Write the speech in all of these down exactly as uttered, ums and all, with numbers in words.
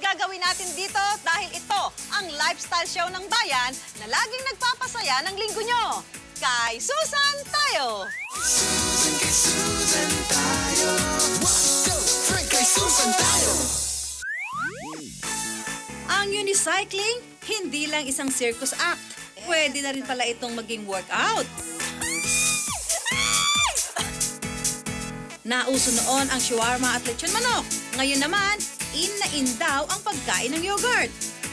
gagawin natin dito dahil ito ang lifestyle show ng bayan na laging nagpapasaya ng linggo nyo. Kay Susan tayo! Susan, kay Susan tayo. One, two, three, kay Susan tayo. Ang unicycling, hindi lang isang circus act. Pwede na rin pala itong maging workout. Nauso noon ang shawarma at lechon manok. Ngayon naman, in na in daw ang pagkain ng yogurt.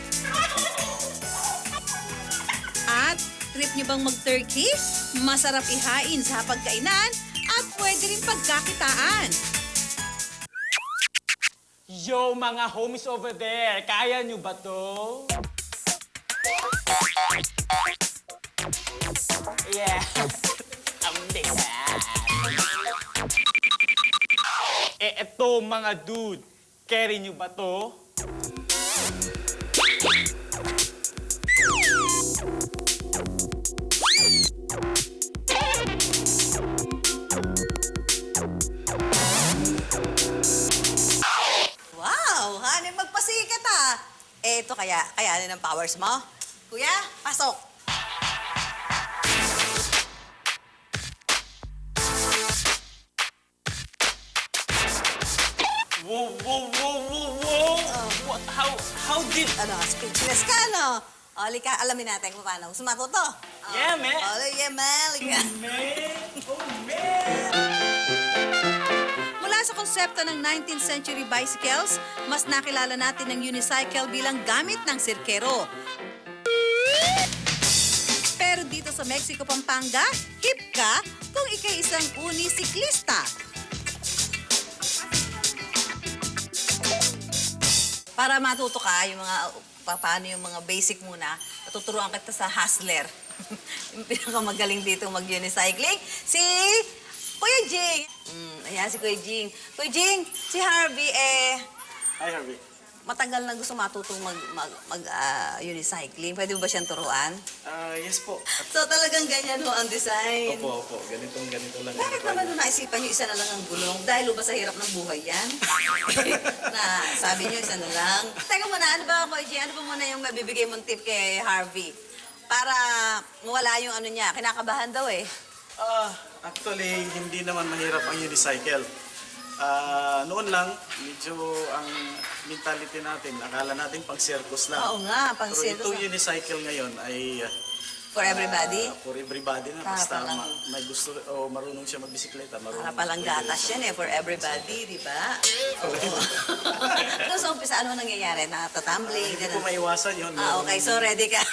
At trip nyo bang mag-turkey? Masarap ihain sa pagkainan at pwede rin pagkakitaan. Yo, mga homies over there! Kaya nyo ba to? Yeah. Amazing. Eh, eto mga dude. Carry nyo ba to? Wow, honey, magpasikat ah. Eh, ito kaya, kayanin ang powers mo? Kuya, pasok. Whoa, whoa, whoa, whoa, whoa! What? How, how did... Ano, speechless ka, no? O, lika, alamin natin kung paano. Gusto matuto? O, Yeah, man. O, yeah, man. Lika. Man! Oh, man! Mula sa konsepto ng nineteenth century bicycles, mas nakilala natin ang unicycle bilang gamit ng sirkero. Pero dito sa Mexico, Pampanga, hip ka kung ikay isang unisiklista. Para matuto ka, yung mga, pa- paano yung mga basic muna, tuturuan kita sa hustler. Yung pinakamagaling dito mag-unicycling, si Kuya Jing. Mm, ayan si Kuya Jing. Kuya Jing, si Harvey, eh, Hi, Harvey. matagal na gusto matutong mag, mag, mag ah, unicycling. Pwede mo ba siyang turuan? Ah, yes po. So talagang ganyan ho ang design. Opo, opo. Ganitong ganito lang. Bakit naman nung naisipan niyo isa na lang ang gulong? Dahil ba sa hirap ng buhay yan? Na sabi niyo isa na lang. Teka muna, ano ba, Kuya Jing? Ano ba muna yung mabibigay mong tip kay Harvey? Para mawala yung ano niya. Kinakabahan daw eh. Ah, actually, hindi naman mahirap ang unicycle. Ah, noon lang, medyo ang mentality natin, akala natin pang circus lang. Oo nga, pang Pero circus itong lang. unicycle ngayon ay... ah, For everybody? ah, for everybody na. Para Basta palang- ma- may gusto o marunong siya magbisikleta. Marunong Para palang gatas yan eh, for everybody, di ba? Oo. Tapos sa umpisa, ano nangyayari? Nakatatumbling, Hindi po gano'n. maiwasan yun. Ah, okay. So, ready ka?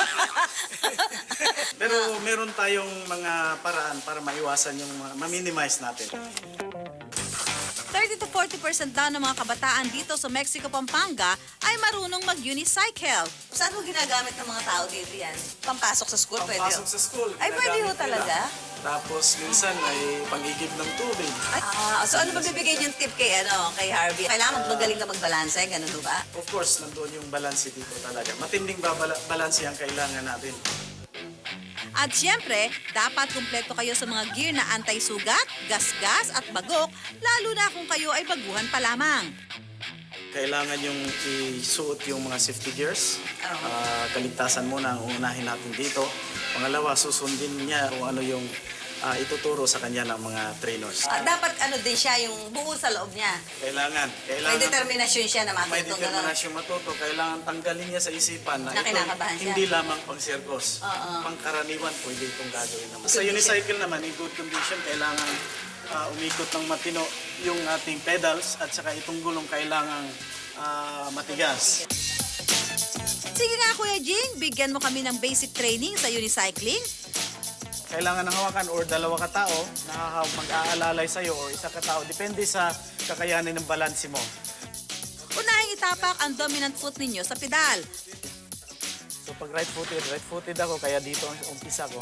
Pero meron tayong mga paraan para maiwasan yung mga- ma-minimize natin. thirty to forty percent daw ng mga kabataan dito sa Mexico, Pampanga ay marunong mag-unicycle. Saan mo ginagamit ng mga tao dito yan? Pampasok sa school, pwede? Pagpasok sa school. Ay, pwede ho ginagamit talaga? nila. Tapos minsan ay pangigib ng tubig. Ah, so ano ba bibigay niyong tip kay, ano, kay Harvey? Kailangan magaling ka magbalanse, ganun ho ba? Of course, nandoon yung balance dito talaga. Matinding babala- balance ang kailangan natin. At siyempre, dapat kumpleto kayo sa mga gear na anti-sugat, gas-gas at bagok, lalo na kung kayo ay baguhan pa lamang. Kailangan yung isuot yung mga safety gears. Ah, kaligtasan muna ang unahin natin dito. Pangalawa, susundin niya kung ano yung ah, ituturo sa kanya ng mga trainers. Ah, dapat ano din siya, yung buo sa loob niya. Kailangan, kailangan May determinasyon siya na may matutong gano'n. determinasyon matuto. Kailangan tanggalin niya sa isipan na, Na ito kinakabahan siya. hindi lamang pang circus. Oo. Pangkaraniwan, pwede itong gagawin naman. Good Sa unicycle naman, in good condition, kailangan ah, umikot ng matino yung ating pedals at saka itong gulong kailangan ah, matigas. Sige nga Kuya Jing, bigyan mo kami ng basic training sa unicycling. Kailangan ng hawakan or dalawa ka tao na mag-aalalay sa'yo or isa ka tao. Depende sa kakayanin ng balanse mo. Unahing itapak ang dominant foot ninyo sa pedal. So pag right-footed, right-footed ako, kaya dito ang umpisa ko.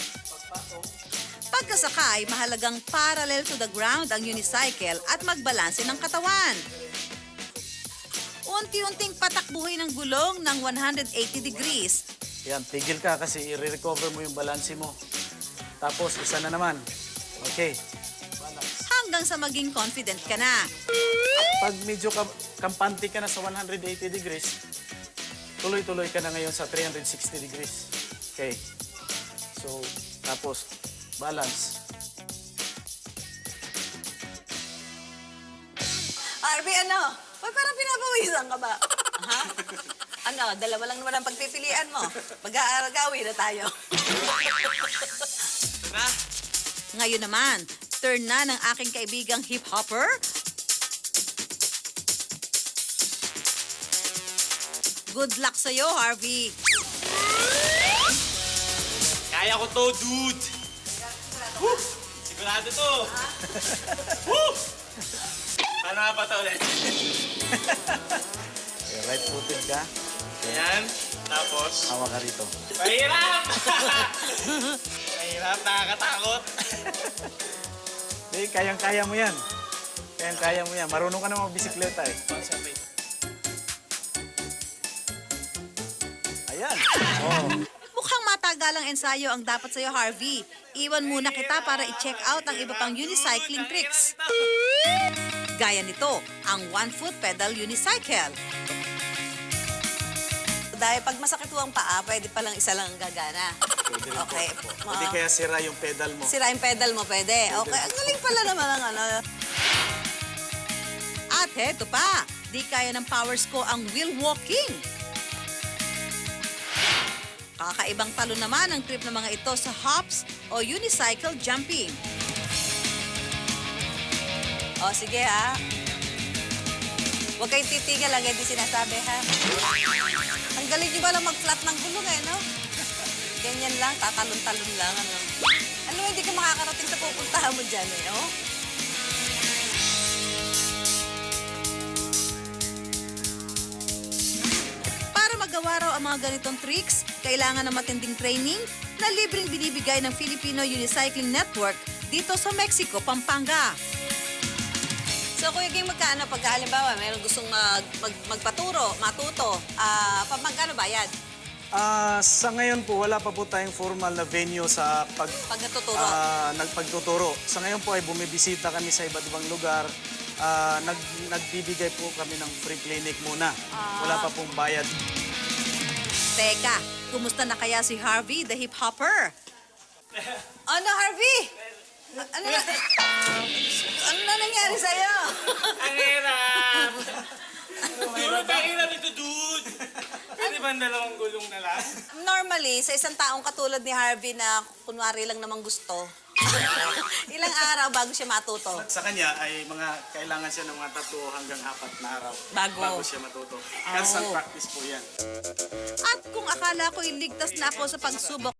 Pagkasakay, mahalagang parallel to the ground ang unicycle at magbalanse ng katawan. Unti-unting patakbuhin ang gulong ng one hundred eighty degrees. Yan, tigil ka kasi i-recover mo yung balanse mo. Tapos, isa na naman. Okay. Hanggang sa maging confident ka na. Pag medyo kam kampante ka na sa one hundred eighty degrees, tuloy-tuloy ka na ngayon sa three hundred sixty degrees. Okay. So, tapos, balance. Harvey, ano? Ba't parang pinapawisan ka ba? Ha? Ano, dalawa lang naman ang pagpipilian mo. Mag-aaragawi na tayo. Ngayon naman, turn na ng aking kaibigang hip-hopper. Good luck sa'yo, Harvey. Kaya ko to, dude! Woo! Sigurado to! Woo! Paano nga pa to ulit? Okay, right footed ka. Ayan. Tapos, Hawa ka rito. mahirap! Mahirap, nakakatakot. Hindi, kayang-kaya mo yan. Kayang-kaya mo yan. Marunong ka na magbisikleta eh. Concentrate. Ayan. Oh. Mukhang matagalang ensayo ang dapat sa'yo, Harvey. Iwan muna kita para i-check out ang iba pang unicycling tricks. Gaya nito, ang one-foot pedal unicycle. Dahil pag masakit ho ang paa, pwede palang isa lang ang gagana. Pwede rin Okay. po. Hindi kaya sira yung pedal mo. Sira yung pedal mo, pwede. Okay, ang galing pala naman ang ano. At heto pa, di kaya ng powers ko ang wheel walking. Kakaibang talo naman ang trip ng mga ito sa hops o unicycle jumping. O, sige ha. Huwag kayong titigil lang, hindi sinasabi ha. Ang galing nyo ba lang mag-flat ng gulong eh, no? Ganyan lang, tatalon-talon lang, ano. Ano, hindi ka makakarating sa pupuntahan mo dyan eh, oh? Para magawa raw ang mga ganitong tricks, kailangan ng matinding training na libreng binibigay ng Filipino Unicycling Network dito sa Mexico, Pampanga. So, Kuya Ging, magkano pagka halimbawa, mayroong gustong mag, mag, magpaturo, matuto, ah, uh, magkano bayad? Ah, sa ngayon po, wala pa po tayong formal na venue sa pag, Pag natuturo? ah, nagpagtuturo. Sa ngayon po ay bumibisita kami sa iba't ibang lugar. Ah, nag, nagbibigay po kami ng free clinic muna. Wala pa pong bayad. Teka, kumusta na kaya si Harvey, the hip-hopper? Ano, Harvey? Ano na? Ano na nangyari sa'yo? Ang hirap! Dude, ang hirap ito, dude! Pwede ba ang dalawang gulong na lang? Normally, sa isang taong katulad ni Harvey na kunwari lang namang gusto, ilang araw bago siya matuto? Sa kanya ay mga kailangan siya ng mga tatlo hanggang apat na araw Bago. siya matuto. Constant practice po yan. At kung akala ko'y ligtas na ako sa pagsubok